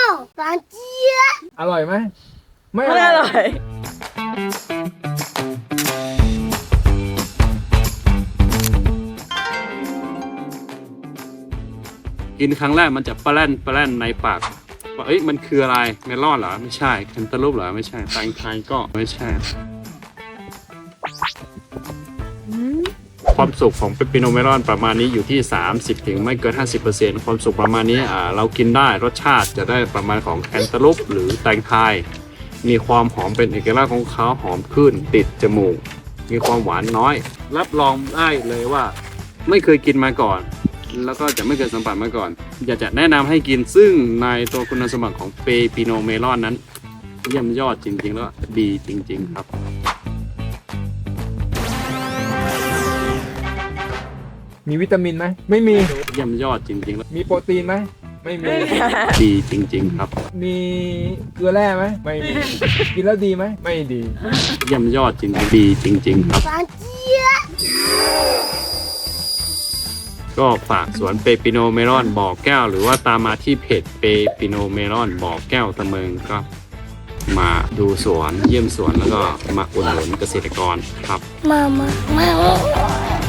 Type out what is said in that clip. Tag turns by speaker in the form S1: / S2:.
S1: หวานเจี๊ยบ
S2: อร่อยไหมไม่
S3: ไม่อร่อย
S4: กินครั้งแรกมันจะปลาแล่นในปากว่าเอ้ยมันคืออะไรเมลอนเหรอไม่ใช่แคนตาลูปเหรอไม่ใช่แตงไทยก็ไม่ใช่ความสุกของเปปปิโนเมลอนประมาณนี้อยู่ที่30ถึงไม่เกิน 50% ความสุกประมาณนี้เรากินได้รสชาติจะได้ประมาณของแคนตาลูปหรือแตงไทยมีความหอมเป็นเอกลักษณ์ของเขาหอมขึ้นติดจมูกมีความหวานน้อยรับรองได้เลยว่าไม่เคยกินมาก่อนแล้วก็จะไม่เคยสัมผัสมาก่อนอยากจะแนะนำให้กินซึ่งในตัวคุณสมบัติของเปปปิโนเมลอนนั้นเยี่ยมยอดจริงๆแล้วดีจริงๆครับ
S2: มีวิตามินไหมไม่มี
S4: เยี่ยมยอดจริงๆแล้ว
S2: มีโปรตีนไหมไม่มี
S4: ดีจริงๆครับ
S2: มีเกลือแร่ไหมไม่มี กินแล้วดีไหมไม่ดี
S4: เยี่ยมยอดจริงๆดีจริงๆครับ
S1: หวานเจี๊ยบ
S4: ก็ฝากสวนเปปปิโนเมลอนบ่อแก้วหรือว่าตามมาที่เพจเปปปิโนเมลอนบ่อแก้วตะเมิงก็มาดูสวนเยี่ยมสวนแล้วก็มาอุดหนุนเกษตรกรครับ
S1: มา